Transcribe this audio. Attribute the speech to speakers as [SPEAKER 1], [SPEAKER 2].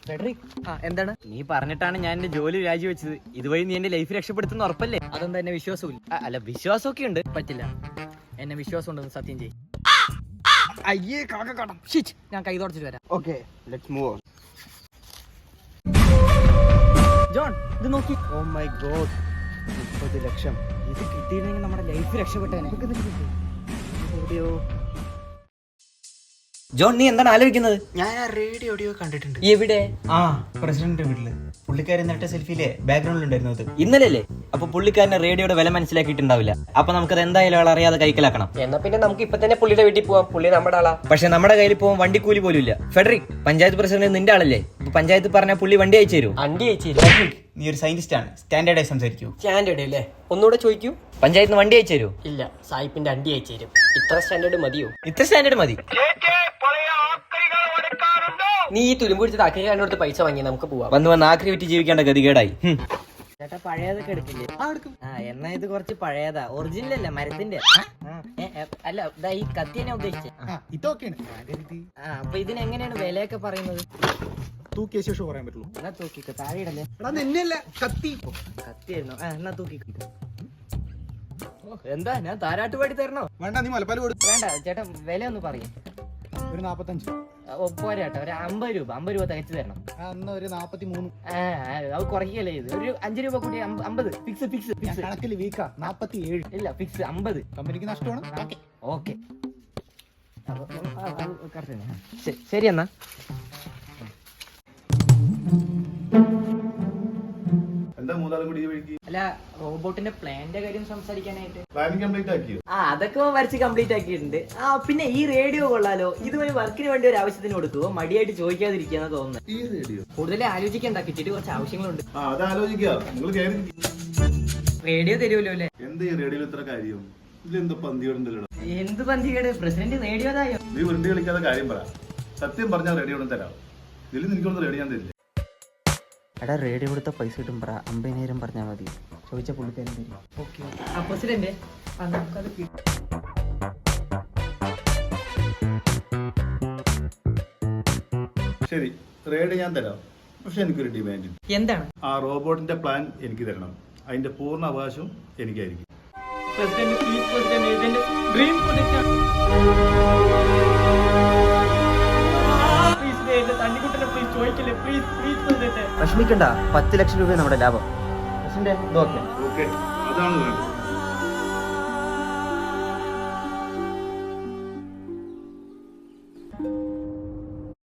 [SPEAKER 1] Federico, എന്താണ് നീ പറഞ്ഞിട്ടാണ് ഞാൻ എന്റെ ജോലി രാജിവെച്ചത്. ഇതുവഴി നീ എന്റെ ലൈഫ് രക്ഷപ്പെടുത്തുന്ന ഉറപ്പല്ലേ? അതെന്താ എന്നെ വിശ്വാസമില്ല? അല്ല, വിശ്വാസമൊക്കെ ഉണ്ട്. പറ്റില്ല, എന്നെ വിശ്വാസം ഉണ്ടെന്ന് സത്യം ചെയ്യും. അയ്യേ കാക്കക്കാടം, ഞാൻ കൈ തുടച്ചിട്ട് വരാം.
[SPEAKER 2] Okay, let's move on.
[SPEAKER 1] John, ഇത് നോക്കി.
[SPEAKER 2] ഓ മൈ ഗോഡ്, 30 ലക്ഷം.
[SPEAKER 1] ഇത് കിട്ടിയിരുന്നെങ്കിൽ നമ്മുടെ ലൈഫ് രക്ഷപ്പെട്ടേനെ. എവിടെയോ. ജോൺ, നീ എന്താണ് ആലോചിക്കുന്നത്?
[SPEAKER 2] ഞാൻ ആ റേഡിയോ എവിടെയോ കണ്ടിട്ടുണ്ട്.
[SPEAKER 1] എവിടെ?
[SPEAKER 2] ആ, പ്രസിഡന്റ് വീട്ടില്. പുള്ളിക്കാരൻ നട്ട സെൽഫിയിലെ ബാക്ക്ഗ്രൗണ്ടിൽ ഉണ്ടായിരുന്നു അത്.
[SPEAKER 1] ഇന്നലെ. അപ്പൊ പുള്ളിക്കാരന്റെ റേഡിയോയുടെ വില മനസ്സിലാക്കിയിട്ടുണ്ടാവില്ല. അപ്പൊ നമുക്കത് എന്തായാലും ആൾ അറിയാതെ കൈക്കലാക്കണം.
[SPEAKER 3] എന്നാ പിന്നെ നമുക്ക് ഇപ്പൊ തന്നെ പുള്ളിയുടെ വീട്ടിൽ പോവാം. പുള്ളി നമ്മുടെ ആളാ.
[SPEAKER 1] പക്ഷെ നമ്മുടെ കയ്യിൽ പോകാൻ വണ്ടിക്കൂലി പോലും ഇല്ല. ഫെഡറിക്, പഞ്ചായത്ത് പ്രസിഡന്റ് നിന്റെ ആളല്ലേ? ഇപ്പൊ പഞ്ചായത്ത് പറഞ്ഞാൽ പുള്ളി വണ്ടി അയച്ചു തരും.
[SPEAKER 3] അണ്ടി അയച്ചു.
[SPEAKER 2] നീ ഒരു സയന്റിസ്റ്റ് ആണ്, സ്റ്റാൻഡേർഡായി സംസാരിക്കൂ.
[SPEAKER 3] സ്റ്റാൻഡേർഡ് അല്ലേ? ഒന്നുകൂടെ ചോദിക്കൂ.
[SPEAKER 1] പഞ്ചായത്ത് വണ്ടി അയച്ചു തരൂ?
[SPEAKER 3] ഇല്ല, സായിപ്പിന്റെ അണ്ടി അയച്ചു തരും. ഇത്ര സ്റ്റാൻഡേർഡ് മതിയോ?
[SPEAKER 1] ഇത്ര സ്റ്റാൻഡേർഡ് മതി.
[SPEAKER 3] നീ ഈ തുരുമ്പ് പിടിച്ചത് അക്കരടുത്ത് പൈസ വാങ്ങി നമുക്ക് പോവാം.
[SPEAKER 1] വന്ന് ആക്രി വിറ്റ് ജീവിക്കേണ്ട ഗതികേടായി. ചേട്ടാ, പഴയതൊക്കെ എടുക്കില്ലേ? എന്നാ ഇത് കുറച്ച് പഴയതാ. ഒറിജിനൽ അല്ല, മരത്തിന്റെ. അല്ല, ഈ കത്തി തന്നെ ഉദ്ദേശിച്ചേ. അപ്പൊ ഇതിനെങ്ങനെയാണ് വിലയൊക്കെ പറയുന്നത്?
[SPEAKER 4] തൂക്കിയ ശേഷം പറയാൻ പറ്റുള്ളൂ.
[SPEAKER 1] എന്നാ തൂക്കിക്കോ, താഴെ ഇടല്ലേ.
[SPEAKER 4] കത്തിയായിരുന്നു.
[SPEAKER 1] എന്നാ തൂക്കിക്കോ. എന്താ, ഞാൻ താരാട്ടുപാടി തരണോ?
[SPEAKER 4] വേണ്ട, നീ മലപ്പാൽ കൊടു.
[SPEAKER 1] വേണ്ട ചേട്ടാ, വില ഒന്ന് പറയും.
[SPEAKER 4] ഒരു 45.
[SPEAKER 1] പോരാട്ടോ, ഒരു 50 രൂപ തികച്ചു തരണം.
[SPEAKER 4] അന്ന് ഒരു 43.
[SPEAKER 1] അത് കുറയ്ക്കല്ലേ ഇത്. ഒരു 5 രൂപ കൂടി 50. ഫിക്സ്.
[SPEAKER 4] കണക്കിൽ വീക്കാ. 47.
[SPEAKER 1] ഇല്ല, ഫിക്സ് 50.
[SPEAKER 4] കമ്പനിക്ക് നഷ്ടമാണ്.
[SPEAKER 1] ഓക്കെ, ശരി എന്നാ. അല്ല, റോബോട്ടിന്റെ പ്ലാന്റെ കാര്യം സംസാരിക്കാനായിട്ട്. അതൊക്കെ വരച്ച് കംപ്ലീറ്റ് ആക്കിയിട്ടുണ്ട്. പിന്നെ ഈ റേഡിയോ കൊള്ളാലോ. ഇതുവരെ വർക്കിന് വേണ്ടി ഒരു ആവശ്യത്തിന് കൊടുക്കുവോ? മടിയായിട്ട് ചോദിക്കാതിരിക്കാന്ന് തോന്നുന്നു. കൂടുതൽ ആലോചിക്കണ്ട, കിട്ടിയിട്ട് കുറച്ച് ആവശ്യങ്ങളുണ്ട്. റേഡിയോ തരുമല്ലോ അല്ലേ? എന്ത് പന്തികേട്? പ്രസിഡന്റ് റേഡിയോതായോ?
[SPEAKER 5] നീ വെറുതെ കളിക്കാതെ കാര്യം പറ. സത്യം പറഞ്ഞാൽ റേഡിയോ തരാം. ഇതിൽ നിനക്കൊന്നും റേഡിയോ ഞാൻ തരില്ല.
[SPEAKER 2] എടാ, റേഡിയോ കൊടുത്ത പൈസ കിട്ടും. 50,000 പറഞ്ഞാൽ മതി. ചോദിച്ച പുള്ളിക്കാരൻ തരും.
[SPEAKER 1] ഓക്കെ, പ്രസിഡന്റ് നമുക്കത്
[SPEAKER 5] ശരി, റേഡിയോ ഞാൻ തരാം. പക്ഷെ എനിക്കൊരു ഡിമാൻഡ്.
[SPEAKER 1] എന്താണ്?
[SPEAKER 5] ആ റോബോട്ടിന്റെ പ്ലാൻ എനിക്ക് തരണം. അതിന്റെ പൂർണ്ണ അവകാശം എനിക്കായിരിക്കും.
[SPEAKER 2] വിഷമിക്കണ്ട, 10 ലക്ഷം രൂപ നമ്മുടെ ലാഭം.
[SPEAKER 5] ഓക്കെ, അതാണ് വേണ്ടത്.